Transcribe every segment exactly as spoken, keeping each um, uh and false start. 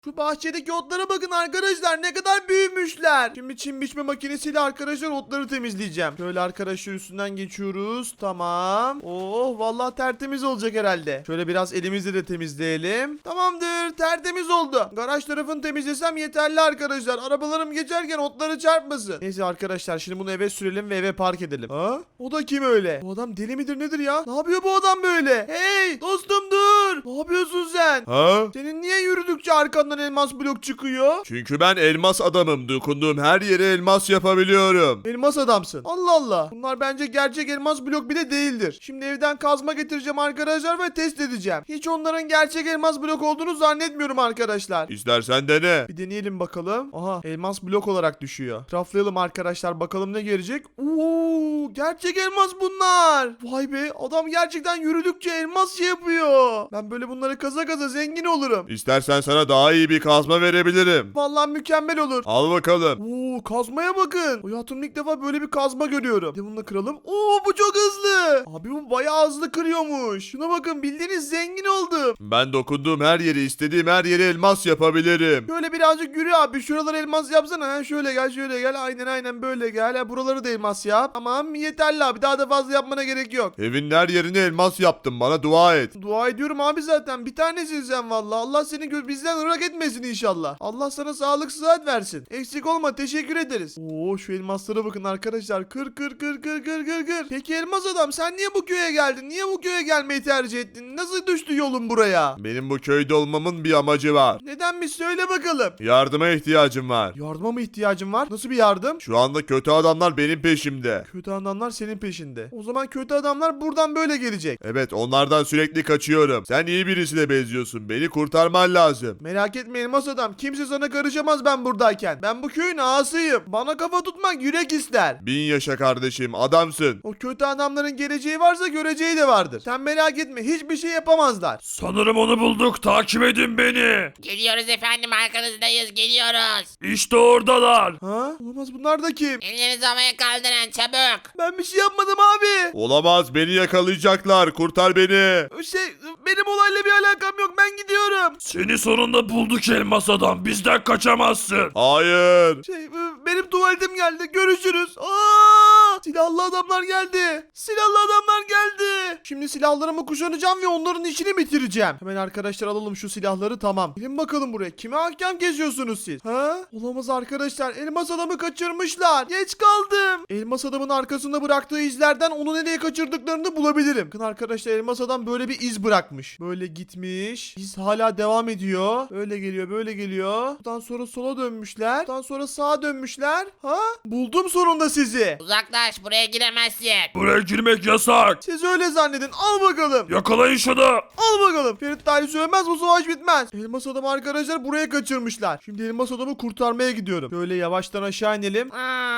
Şu bahçedeki otlara bakın arkadaşlar, ne kadar büyümüşler. Şimdi çim biçme makinesiyle arkadaşlar otları temizleyeceğim. Şöyle arkadaşlar üstünden geçiyoruz. Tamam. Oh vallahi tertemiz olacak herhalde. Şöyle biraz elimizle de temizleyelim. Tamamdır, tertemiz oldu. Garaj tarafını temizlesem yeterli arkadaşlar. Arabalarım geçerken otları çarpmasın. Neyse arkadaşlar, şimdi bunu eve sürelim ve eve park edelim. Ha? O da kim öyle? Bu adam deli midir nedir ya? Ne yapıyor bu adam böyle? Hey dostum dur. Ne yapıyorsun sen? Ha? Senin niye yürüdükçe arkandan elmas blok çıkıyor? Çünkü ben elmas adamım. Dokunduğum her yere elmas yapabiliyorum. Elmas adamsın. Allah Allah. Bunlar bence gerçek elmas blok bile değildir. Şimdi evden kazma getireceğim arkadaşlar ve test edeceğim. Hiç onların gerçek elmas blok olduğunu zannetmiyorum arkadaşlar. İstersen dene. Bir deneyelim bakalım. Aha, elmas blok olarak düşüyor. Raflayalım arkadaşlar, bakalım ne gelecek. Oo, gerçek elmas bunlar. Vay be, adam gerçekten yürüdükçe elmas şey yapıyor. Ben böyle bunları kaza kaza zengin olurum. İstersen sana daha iyi bir kazma verebilirim. Vallahi mükemmel olur. Al bakalım. Oo, kazmaya bakın. Hayatımda ilk defa böyle bir kazma görüyorum. Bir de bunu da kıralım. Oo, bu çok hızlı. Abi bu bayağı hızlı kırıyormuş. Şuna bakın, bildiğiniz zengin oldum. Ben dokunduğum her yeri, istediğim her yere elmas yapabilirim. Şöyle birazcık yürü abi. Şuraları elmas yapsana. Ha, şöyle gel, şöyle gel. Aynen aynen böyle gel. Ha, buraları da elmas yap. Tamam, yeterli abi. Daha da fazla yapmana gerek yok. Evin her yerine elmas yaptım. Bana dua et. Dua ediyorum abi zaten. Bir tanesin sen valla. Allah seni gö- bizden ırak etmesin inşallah. Allah sana sağlık sıhhat versin. Eksik olma, teşekkür ederiz. Oo, şu elmaslara bakın arkadaşlar. Kır kır kır kır kır kır kır. Peki elmas adam, sen niye bu köye geldin? Niye bu köye gelmeyi tercih ettin? Nasıl düştü yolun buraya? Benim bu köyde olmamın bir amacı var. Neden, bir söyle bakalım. Yardıma ihtiyacım var. Yardıma mı ihtiyacın var? Nasıl bir yardım? Şu anda kötü adamlar benim peşimde. Kötü adamlar senin peşinde. O zaman kötü adamlar buradan böyle gelecek. Evet, onlardan sürekli kaçıyorum. Sen iyi birisine benziyorsun. Beni kurtarman lazım. Merak etme elmas adam. Kimse sana karışamaz ben buradayken. Ben bu köyün ağasıyım. Bana kafa tutmak yürek ister. Bin yaşa kardeşim, adamsın. O kötü adamların geleceği varsa göreceği de vardır. Sen merak etme, hiçbir şey yapamazlar. Sanırım onu bulduk. Takip edin beni. Geliyoruz efendim, arkanızdayız, geliyoruz. İşte oradalar. Ha? Olamaz, bunlar da kim? Ellerinizi havaya kaldırın çabuk. Ben bir şey yapmadım abi. Olamaz, beni yakalayacaklar. Kurtar beni. Şey, benim olayla bir alakam yok, ben gidiyorum. Seni sonunda bulduk elmas adam. Bizden kaçamazsın. Hayır. Şey, benim tuvaletim geldi, görüşürüz. Aa! Silahlı adamlar geldi. Silahlı adamlar geldi. Şimdi silahlarımı kuşanacağım ve onların işini bitireceğim. Hemen arkadaşlar alalım şu silahları, tamam. Gelin bakalım buraya. Kime hakem geziyorsunuz siz? Ha? Olamaz arkadaşlar. Elmas adamı kaçırmışlar. Geç kaldım. Elmas adamın arkasında bıraktığı izlerden onu nereye kaçırdıklarını bulabilirim. Bakın arkadaşlar, elmas adam böyle bir iz bırakmış. Böyle gitmiş. İz hala devam ediyor. Böyle geliyor, böyle geliyor. Buradan sonra sola dönmüşler. Buradan sonra sağa dönmüşler. Ha? Buldum sonunda sizi. Uzaklaş, buraya giremezsin. Buraya girmek yasak. Siz öyle zannedin. Al bakalım. Yakalayın şunu. Al bakalım. Ferit Talih söylemez, bu savaş bitmez. Elmas adamı arkadaşlar buraya kaçırmışlar. Şimdi elmas adamı kurtarmaya gidiyorum. Böyle yavaştan aşağı inelim.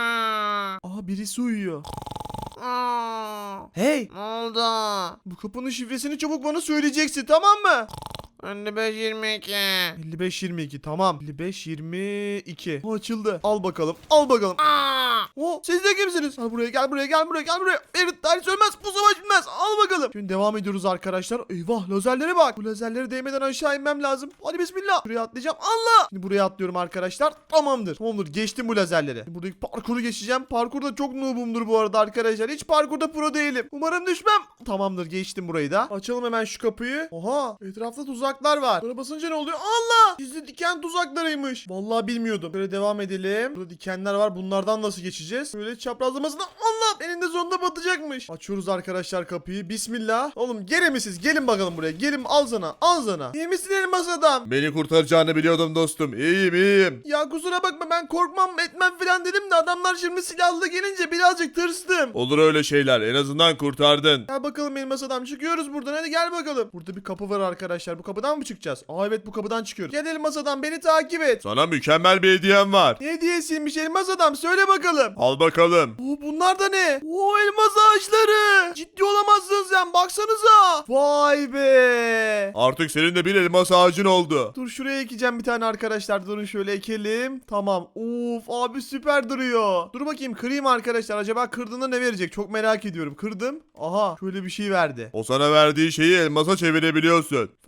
Aa, Aha, birisi uyuyor. aa, Hey! ne oldu? Bu kapının şifresini çabuk bana söyleyeceksin, tamam mı? elli beş yirmi iki. elli beş yirmi iki, tamam. elli beş yirmi iki. O açıldı. Al bakalım. Al bakalım. Aa, O, siz de kimsiniz? Gel buraya, gel buraya, gel buraya, gel buraya. Ferit Talih söylemez, bu savaş bitmez. Al bakalım. Şimdi devam ediyoruz arkadaşlar. Eyvah, lazerlere bak. Bu lazerlere değmeden aşağı inmem lazım. Hadi bismillah. Buraya atlayacağım. Allah. Şimdi buraya atlıyorum arkadaşlar. Tamamdır. Tamamdır. Geçtim bu lazerleri. Şimdi buradaki parkuru geçeceğim. Parkurda çok noobumdur bu arada arkadaşlar. Hiç parkurda pro değilim. Umarım düşmem. Tamamdır, geçtim burayı da. Açalım hemen şu kapıyı. Oha. Etrafta tuzaklar var. Buna basınca ne oluyor? Allah. Gizli diken tuzaklarıymış. Vallahi bilmiyordum. Böyle devam edelim. Burada dikenler var. Bunlardan nasıl geçeceğiz? Böyle çaprazlamasına. Allah. Eninde sonunda batacakmış. Açıyoruz arkadaşlar kapıyı. Bismillah. Oğlum gene mi siz? Gelin bakalım buraya. Gelin, al sana. Al sana. İyi misin elmas adam? Beni kurtaracağını biliyordum dostum. İyiyim, iyiyim. Ya kusura bakma, ben korkmam etmem falan dedim de adamlar şimdi silahlı gelince birazcık tırstım. Olur öyle şeyler. En azından kurtardın. Gel bakalım elmas adam, çıkıyoruz buradan, hadi gel bakalım. Burada bir kapı var arkadaşlar, bu kapıdan mı çıkacağız? Aa evet, bu kapıdan çıkıyoruz. Gel elmas adam, beni takip et. Sana mükemmel bir hediyem var. Ne hediyesiymiş elmas adam, söyle bakalım. Al bakalım. Oo, bunlar da ne? Oo, elmas ağaçları. Ciddi olamazsın sen, baksanıza. Vay be. Artık senin de bir elmas ağacın oldu. Dur, şuraya ekeceğim bir tane arkadaşlar. Durun şöyle ekelim. Tamam. Of abi, süper duruyor. Dur bakayım, kırayım arkadaşlar. Acaba kırdığında ne verecek? Çok merak ediyorum. Kırdım. Aha, şöyle bir şey verdi. O sana verdiği şeyi elmasa çevirebiliyorsun. Fark ettim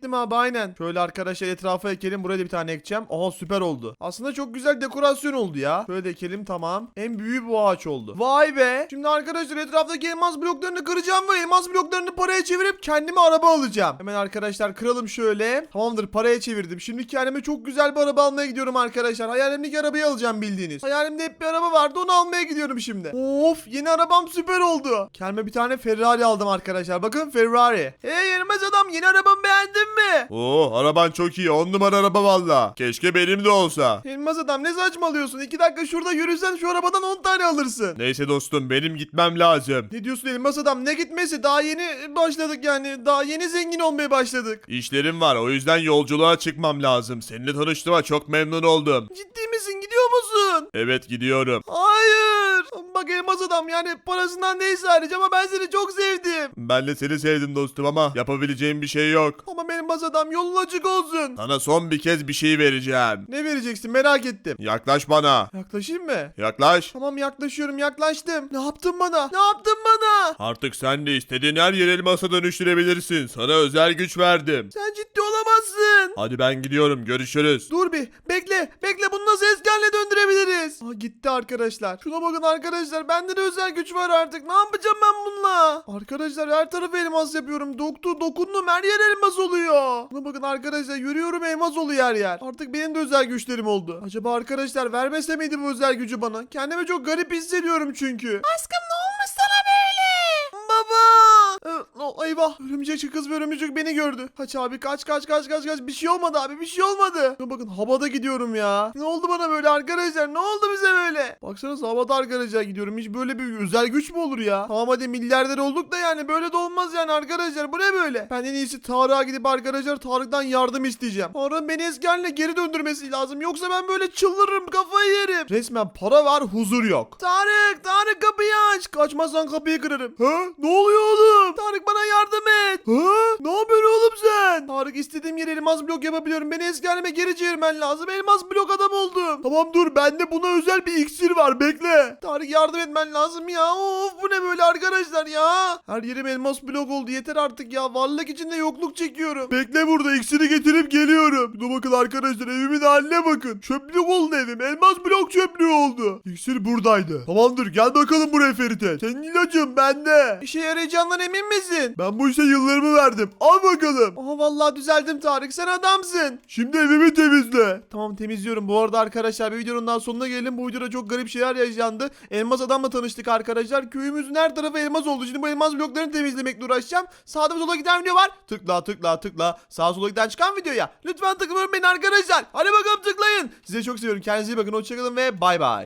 ektim abi aynen. Şöyle arkadaşlar etrafa ekelim. Buraya da bir tane ekeceğim. Aha süper oldu. Aslında çok güzel dekorasyon oldu ya. Şöyle de ekelim tamam. En büyüğü bu ağaç oldu. Vay be. Şimdi arkadaşlar etraftaki elmas bloklarını kıracağım ve elmas bloklarını paraya çevirip kendime araba alacağım. Hemen arkadaşlar kıralım şöyle. Tamamdır paraya çevirdim. Şimdi kendime çok güzel bir araba almaya gidiyorum arkadaşlar. Hayalimdeki arabayı alacağım bildiğiniz. Hayalimde hep bir araba vardı onu almaya gidiyorum şimdi. Of yeni arabam süper oldu. Kendime bir tane Ferrari aldım arkadaşlar. Bakın Ferrari. Hey elmas adam yeni arabamı beğendin mi? Oo, araban çok iyi. On numara araba valla. Keşke benim de olsa. Elmas adam ne saçmalıyorsun? İki dakika şurada yürüsen şu arabadan on tane alırsın. Neyse dostum, benim gitmem lazım. Ne diyorsun elmas adam? Ne gitmesi? Daha yeni başladık yani. Daha yeni zengin olmaya başladık. İşlerim var, o yüzden yolculuğa çıkmam lazım. Seninle tanıştığıma çok memnun oldum. Ciddi misin? Gidiyor musun? Evet, gidiyorum. Hayır. Bak elmas adam yani parasından neyse hariç ama ben seni çok sevdim. Ben de seni sevdim dostum ama yapabileceğim bir şey yok. Ama benim elmas adam yolun açık olsun. Sana son bir kez bir şey vereceğim. Ne vereceksin merak ettim. Yaklaş bana. Yaklaşayım mı? Yaklaş. Tamam yaklaşıyorum yaklaştım. Ne yaptın bana? Ne yaptın bana? Artık sen de istediğin her yeri elmasa dönüştürebilirsin. Sana özel güç verdim. Sen ciddi olamazsın. Hadi ben gidiyorum, görüşürüz. Dur bir bekle bekle bunu nasıl eskerle döndürebiliriz? Aa, gitti arkadaşlar. Şuna bakın arkadaşlar bende de özel güç var artık. Ne yapacağım ben bununla? Arkadaşlar her tarafı elmas yapıyorum. Doktu dokundum her yer elmas oluyor. Şuna bakın arkadaşlar yürüyorum elmas oluyor her yer. Artık benim de özel güçlerim oldu. Acaba arkadaşlar vermese miydi bu özel gücü bana? Kendimi çok garip hissediyorum çünkü. Aşkım ne olmuş sana böyle? Baba! Ee, o, eyvah. Örümcek kız ve örümcek beni gördü. Kaç abi kaç kaç kaç kaç kaç. Bir şey olmadı abi bir şey olmadı. Şuna bakın havada gidiyorum ya. Ne oldu bana böyle arkadaşlar? Ne oldu bize böyle? Baksanıza havada arkadaşlar gidiyorum. Hiç böyle bir özel güç mü olur ya? Tamam hadi milyarder olduk da yani böyle de olmaz yani arkadaşlar. Bu ne böyle? Ben en iyisi Tarık'a gidip arkadaşlar Tarık'tan yardım isteyeceğim. Tarık'ın beni eski haline geri döndürmesi lazım. Yoksa ben böyle çıldırırım kafayı yerim. Resmen para var huzur yok. Tarık Tarık kapıyı aç. Kaçmazsan kapıyı kırarım. Ha? Ne oluyor oğlum? Tarık bana yardım et. Ha? Ne yapıyorsun oğlum sen? Tarık istediğim yere elmas blok yapabiliyorum. Beni eski halime geri çevirmen lazım. Elmas blok adam oldum. Tamam dur bende buna özel bir iksir var bekle. Tarık yardım etmen lazım ya. Of bu ne böyle arkadaşlar ya. Her yerim elmas blok oldu yeter artık ya. Varlık içinde yokluk çekiyorum. Bekle burada iksiri getirip geliyorum. Dur bakın arkadaşlar evimin haline bakın. Çöplük oldu evim. Elmas blok çöplüğü oldu. İksir buradaydı. Tamamdır gel bakalım buraya Ferite. Senin ilacın bende. İşe yarayacağından emin misin? Ben bu işe yıllarımı verdim. Al bakalım. Aha vallahi düzeldim Tarık. Sen adamsın. Şimdi evimi temizle. Tamam temizliyorum. Bu arada arkadaşlar bir videonun daha sonuna gelelim. Bu videoda çok garip şeyler yaşandı. Elmas adamla tanıştık arkadaşlar. Köyümüzün her tarafı elmas oldu. Şimdi bu elmas bloklarını temizlemekle uğraşacağım. Sağda ve sola giden video var. Tıkla tıkla tıkla. Sağa sola giden çıkan videoya. Lütfen tıklayın beni arkadaşlar. Hadi bakalım tıklayın. Size çok seviyorum. Kendinize iyi bakın. Hoşçakalın ve bay bay.